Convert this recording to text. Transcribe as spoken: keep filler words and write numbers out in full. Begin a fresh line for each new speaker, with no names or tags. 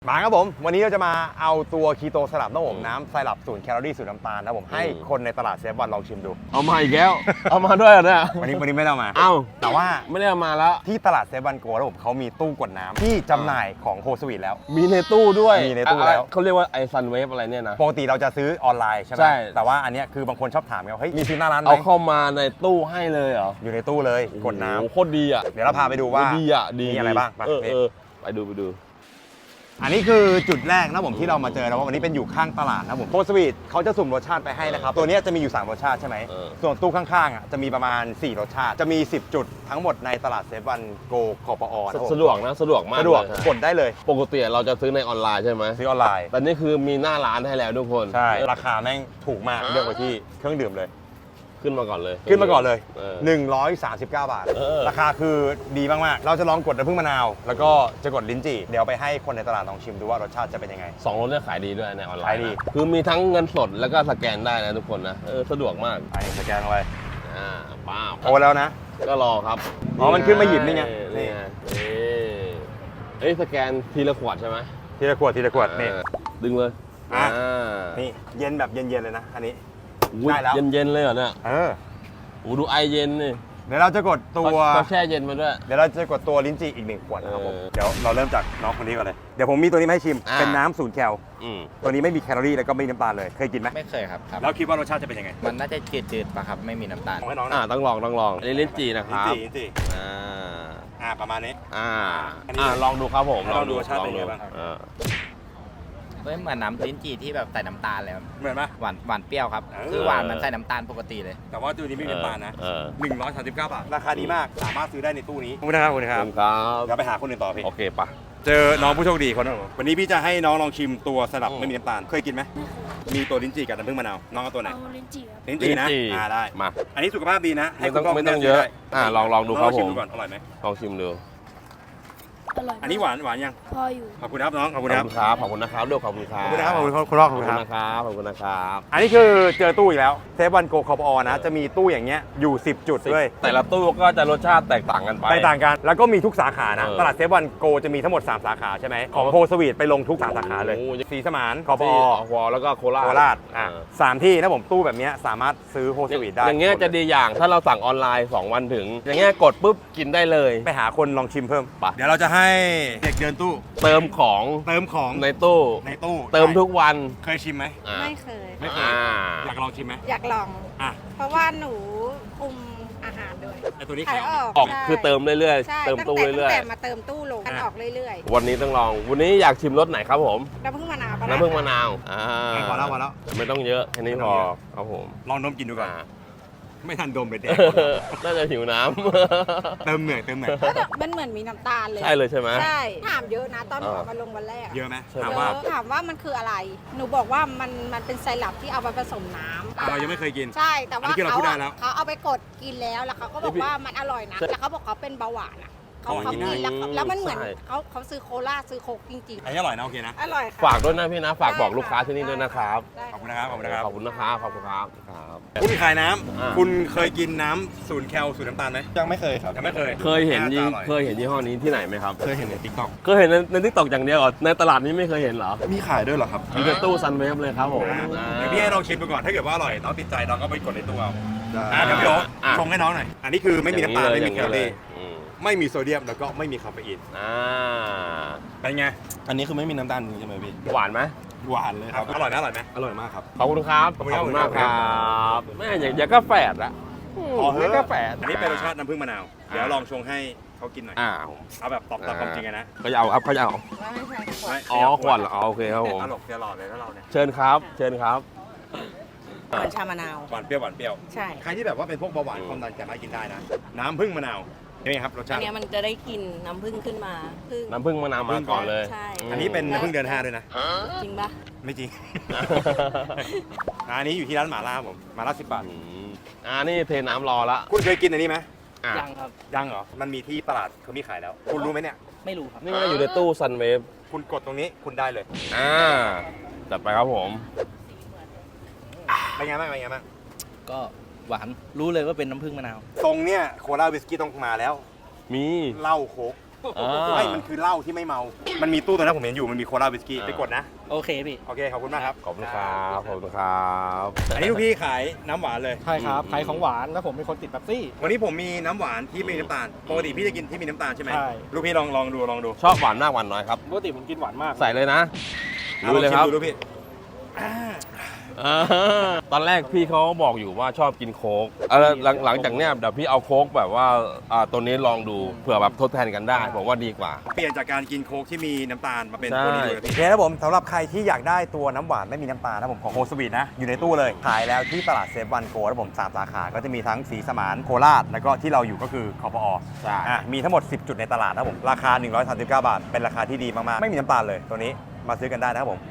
มาครับผมวันนี้เราจะมาเอาตัวคีโตสลับน้ำผมน้ำไซรัปศูนย์แคลอรี่ศูนย์น้ำตาลนะผมให้คนในตลาดเซฟวันลองชิมดู
เอามาอีกแล้ว เอามาด้วยเนี่ย
วันนี้วันนี้ไม่ได้เอามา
เอ้า
แต่ว่า
ไม่ได้เอามาแล้ว
ที่ตลาดเซฟวันโกแล้วผมเขามีตู้กดน้ำที่จำหน่ายของโฮสวีทแล้ว
มีในตู้ด้วย
มีในตู้แล้ว
เขาเรียกว่าไอซันเวฟอะไรเนี่ยนะ
ปกติเราจะซื้อออนไลน์ใช่ไหม
ใช่
แต่ว่าอันเนี้ยคือบางคนชอบถามกันว่าเฮ้ยมีซื้อหน้าร้านไหม
เอาเข้ามาในตู้ให้เลยเหรอ
อยู่ในตู้เลยกดน้ำ
โอ้โหโคตรดีอ่ะ
เดี๋ยวเราพาไปดูว่า
ดีอ่ะดี
มีอะไรบ้างไป
เออเออไปดูไปดู
อันนี้คือจุดแรกนะผมที่เรามาเจอแล้วว่าวันนี้เป็นอยู่ข้างตลาดนะผมโฮสวีทเขาจะสุ่มรสชาติไปให้นะครับตัวนี้จะมีอยู่สามรสชาติใช่ไหมส่วนตู้ข้างๆอ่ะจะมีประมาณสี่รสชาติจะมีสิบจุดทั้งหมดในตลาดเซฟวันโกคอปอนะผม
สะดวกนะสะดวกมาก
สะดวก
เลย
กดได้เลย
ปกติเราจะซื้อในออนไลน์ใช่ไหม
ซื้อออนไลน์
แต่นี่คือมีหน้าร้านให้แล้วทุกคน
ใช่ราคาแม่งถูกมากเลือกไปที่เครื่องดื่มเลย
ขึ้นมาก่อนเลย
ขึ้นมาก่อนเลย
เออ
หนึ่งร้อยสามสิบเก้า บาท
เออ
ราคาคือดีมากๆเราจะลองกดน้ำผึ้งมะนาวแล้วก็จะกดลิ้นจี่เดี๋ยวไปให้คนในตลาดลองชิมดูว่ารสชาติจะเป็นยังไง
สองรถเนี่ยขายดีด้วยในออนไลน์
ขายดี
นะคือมีทั้งเงินสดแล้วก็สแกนได้นะทุกคนนะเออสะดวกมาก
อันนี้สแกนลงไป
อ่าป้าบ
โอนแล้วนะ
ก็รอครับ
อ๋อมันขึ้นมาหยิบนี่ไง
นี่ไงนี่เอ้ยสแกนทีละขวดใช่ไหม
ทีละขวดทีละขวดนี่
อ่าดึงเลย
อ่ะ
อ่า
นี่เย็นแบบเย็นๆเลยนะอันนี้
อุ๊ย
ได้แล้ว
เย็นๆเลยเหรอเนี่ย
เออ
โอ้ดูไอเย็นนี่
เดี๋ยวเราจะกดตัว
เขาแช่เย็นมาด้วย
เดี๋ยวเราจะกดตัวลิ้นจี่อีกหนึ่งขวดนะครับผม
เออ
เดี๋ยวเราเริ่มจากน้องคนนี้ก่อนเลยเดี๋ยวผมมีตัวนี้มาให้ชิม
อ่า
เป็นน้ำศูนย์แคล
อืม
ตัวนี้ไม่มีแคลอรี่แล้วก็ไม่มีน้ำตาลเลยเคยกินไหม
ไม่เคยครับครับ
แล้วคิดว่ารสชาติจะเป็นยังไง
มันน่าจะจืดๆป่ะครับ ไม่มีน้ำตาล
ของให้น้อง
อ่า
นะ
ต้องลองต้องลองอันนี้ลิ้นจี่นะค
ลิ้น
รับ
จี่ลิ้นจี่
อ่า
อ่าประมาณนี้
อ่า
อันนี้
อ่าลองดูครับผม
ลองดูรสชาติเป็นไงบ้าง
อ่า
เฮ้ยเหมือนน้ำลิ้นจี่ที่แบบใส่น้ำตาลเลยครับ
เหมือนปะ
หวานหวานเปรี้ยวครับ
เออ
คือหวานมันใส่น้ำตาลปกติเลย
แต่ว่าตัวนี้ไม่มีน้ำตาลนะ
เออ
หนึ่งร้อยสามสิบเก้าบาทราคาดีมากสามารถซื้อได้ในตู้นี้ขอบคุณนะครับขอบคุณค
ข
รั
อ
บบ
คุณครับ
เดี๋ยวไปหาคนอื่นต่อพี่
โอเคปะ
เจอน้องผู้โชคดีคนนึงวันนี้พี่จะให้น้องลองชิมตัวสลับ
อืม
ไม่มีน้ำตาลเคยกินไหมมีตัวลิ้นจี่กับน้ำผึ้งมะนาวน้องเอาตัวไหน
เอาลิ้นจี่ครับ
ลิ้นจี่นะอ่าได้
มา
อันนี้สุขภาพดีนะให้
ไม่ต้อง
คุณพ่
ไม่ต้อง
คุณ
เยอะ
ได้
อ่าลองลองดูครับ
น้ชิม
ผม
ดูก่อนอร่อยไหม
ลองชิมดู
อร่อยมาก
อันนี้หวานหวานยัง
พออยู่
ขอบคุณครับน้องขอบ
ข
คุ
อบ
ณครับ
คุณครับขอบคุณนะครับด้วยขอบคุณครั
ข
บ
อบคุณนะครับขอบคุณคุณพ่อข
ข
อ
อ
บบ คุ
คุณ ณ
ครับ
นะครับขอบคุณนะครับ
อันนี้คือเจอตู้อีกแล้วเซฟวันโกคอปอนะจะมีตู้อย่างเงี้ยอยู่สิบจุดด้วย
แต่ละตู้ก็จะรสชาติแตกต่างกันไป
แตกต่างกันแล้วก็มีทุกสาขานะ
เออ
ตลาดเซฟวันโกจะมีทั้งหมดสามสาขาใช่ไหมของโฮสวีทไปลงทุกสามสาขาเลย
โอ้โห
สีสมานคอป
ที่
อ
อวแล้วก็โคราช
โคราชอ่ะ
เออ
สามที่นะผมตู้แบบเนี้ยสามารถซื้อโฮสวีทได้
อย่างเงี้ยจะดีอย่างถ้าเราสั่งออนไลน์สองวันถึง อย่างเงี้ยกดปุ๊บกินได้เลย
ไปหาคนลองชิมเพิ่ม
ไป
เดี๋ยวเราจะให้เด็กเดินตู้
เติมของ
เติมของ
ในตู้
ในตู้
เติมทุกวัน
เคยชิมไหม
อ่า
ไม่เคย
ไม่เคย
อ่า
อยากลองชิมไหม
อยากลอง
อ่ะ
เพราะว่าหนูคุมอาหารด้วย
ไอตัวนี้
ขา
ขาย ย
ออก
ออก
ใช่
คือเติมเรื่อย
ใช่
ๆ เติม
ตั้ง
ตู้
แต่
เรื่
ตั้
อย
งแต่มาเติมตู้ลงกันออกเรื่อย
ๆ วันนี้ต้องลอง วันนี้อยากชิมรสไหนครับผม
ๆน้ำผึ้งมะนาวปะ
น้ำผึ้งมะนาวอ่า
พอแล้วพอแล้ว
ไม่ต้องเยอะแค่นี้พอครับผม
ลองดมกินดูก่อน
อ่า
ไม่ทันดมเลยเด็ก
น่าจะหิวน้
เติมเหนื่อยเติมเหนื่อย
แล้วมันเหมือนมีน้ำตาลเลย
ำ ใช่เลยใช่ไหม
ใช่ถามเยอะนะตอนหนู
อ่า
เอามาลงวันแรก
เยอะไหม
ใช่ไหม
ถาม
เย
ว่า
อะถามว่ามันคืออะไร หนูบอกว่ามันมันเป็นไซรัปที่เอาไปผสมน้ำ
แต่เรายังไม่เคยกิน
ใช่แต่ว่า
อันนี้คือเรา
เขา
พูดได้
อะ
แล้ว
เขาเอาไปกดกินแล้วแล้วเขาก็บอกว่ามันอร่อยนะแล้วเขาบอกเขาเป็นเบาหวานอะเขา
อ๋อ
เขา
กินได้
กินแล้วเขาแล้วมันเหมือน
ใช่
เขาเขาซื้อโคลาซื้อโคกจริง
อันนี้อร่อยนะโอเคนะ
ๆ อร่อยค่ะ
ฝากด้วยนะพี่นะ ฝากบอกลูกค้าที่นี่ด้วยนะครับ
ได้
ขอบคุณนะครับขอบคุณนะครับ
ขอบคุณนะครับ ขอบคุณครับครับ
คุณขายน้
อ่า
ำคุณเคยกินน้ำศูนย์แคลศูนย์น้ำตาลไหม
ยังไม่เคยครับ
ยังไม่เคย
เคยเห็นยี่
าจะอร่อ
เคยเห็นยี่ห้อนี้ที่ไหนไหมครับ
เคยเห็นในทิกตอก
เคยเห็นในในทิกตอกอย่างเดียวเหรอในตลาดนี้ไม่เคยเห็นเหรอ
มีขายด้วยเหรอครับ
มีแต่ตู้ซันเวฟเลยครับผมอ่า
เดี๋ยวพี่ให้ลองชิมดูก่อนถ้าเกิดว่าอร่อยน้องติดใจน้องก็ไปกดในตู้เอา
ได้
อ่ะเดี๋ยวพี่โอ๊ต
อ่ะ
ชงให้น้องหน่อยอันนี้คือไม่มีน้ำตาลไม่มีแคลอรี่
อืม
ไม่มีโซเดียมแล้วก็ไม่มีคาเฟอีน
อ่า
เป็นไง
อันนี้คือไม่มีน้ำตาลจริงใช่ไหมพี่
หวานไหม
หวานเลยครับ
อร่อยนะอร่อยไหม
อร่อยมากครับ
ขอบคุณครับ
ขอบคุณครับ
มากครับแม่อย่างอย่างก็แฝดอะ
พอเถ
ไม่
อะ
ก็แฝด
อันนี้เป็นรสชาติน้ำผึ้งมะนาวเดี๋ยวลองชงให้เขากินหน่อย
อ่า
เอาแบบตอบตามความจริงอะนะ
เขาจะเอาครับเขาจะเอา
ไม่
อ๋อขวดเหรออ๋อโอเคครับผม
ตลกตลอดเลยถ้าเราเนี่ย
เชิญครับ เชิญครับ
เหมือนชามะนาว
หวานเปรี้ยวหวานเปรี้ยว
ใช่
ใครที่แบบว่าเป็นพวกเบาหวานความดันสามารถกินได้นะน้ำผึ้งมะนาวนี่ครับรสชา
อัน
ติ
เนี้ยมันจะได้กลิ่นน้ำผึ้งขึ้นมาผึ้ง
น้ำผึ้งมะนาวมาก่อนเลย
ใช่
อันนี้เป็นน้ำผึ้งเดือนห้าด้วยนะ
จริงปะ
ไม่จริง อันนี้อยู่ที่ร้านหม่าล่าครับผมหม่าล่าสิบบาท
อืมอ่านี่เทน้ำรอละ
คุณเคยกินอันนี้ไหม
อ่ะ
ยังครับ
ยังเหรอมันมีที่ตลาดเขามีขายแล้ว คุณรู้ไหมเนี่ย
ไม่รู้ครับ
นี่ก็อยู่ในตู้ซันเวฟ
คุณกดตรงนี้คุณได้เลย
อ่าจัดไปครับผม
เป็นไงบ้างเป็นไงบ้าง
ก็หวาน รู้เลยว่าเป็นน้ำผึ้งมะนาว
ตรงเนี้ยโคลาวิสกี้ต้องมาแล้ว
มี
เหล้าโค้ก
อ่า
ไม่มันคือเหล้าที่ไม่เมา มันมีตู้ตัวนั้นผมเห็นอยู่มันมีโคลาวิสกี้ไปกดนะ
โอเคพี่
โอเค ขอบคุณมากครับ
ขอบคุณครับขอบคุณครับ
อันนี้ลูกพี่ขายน้ำหวานเลย
ใช่ครับขายของหวานแล้วผมเป็นคนติดเป๊ปซี่
วันนี้ผมมีน้ำหวานที่ไม่มีน้ำตาล ปกติพี่จะกินที่มีน้ำตาลใช่ไหม
ใช่
ลูกพี่ลองลองดูลองดู
ชอบหวานมากหวานน้อยครับ
ปกติผมกินหวานมาก
ใส่เลยนะ
อา
ดูเลยครับ
องชิมดูลูกพี่
อ่าตอนแรกพี่เขาบอกอยู่ว่าชอบกินโค้กเออหลังหลังจากเนี้ยเดี๋ยวพี่เอาโค้กแบบว่าอ่าตัวนี้ลองดูเผื่อแบบทดแทนกันได้ผมว่าดีกว่า
เปลี่ยนจากการกินโค้กที่มีน้ำตาลมาเป็น
ใช่
ตัวนี้ดูเลยพี่โอเคครับผมสำหรับใครที่อยากได้ตัวน้ำหวานไม่มีน้ำตาลนะผมของโฮสวีทนะ อยู่ในตู้เลย ขายแล้วที่ตลาดเซฟวันโกนะผมสามสาขา ก็จะมีทั้งสีสมานโคราช แล้วก็ที่เราอยู่ก็คือคอปอ
ใช่
อ่ะมีทั้งหมด สิบ จุดในตลาดนะผมราคา หนึ่งร้อยสามสิบเก้า บาท เป็นราคาที่ดีมากๆ ไม่มีน้ำตาลเลยตัวนี้มาซื้อกันได้นะครับผม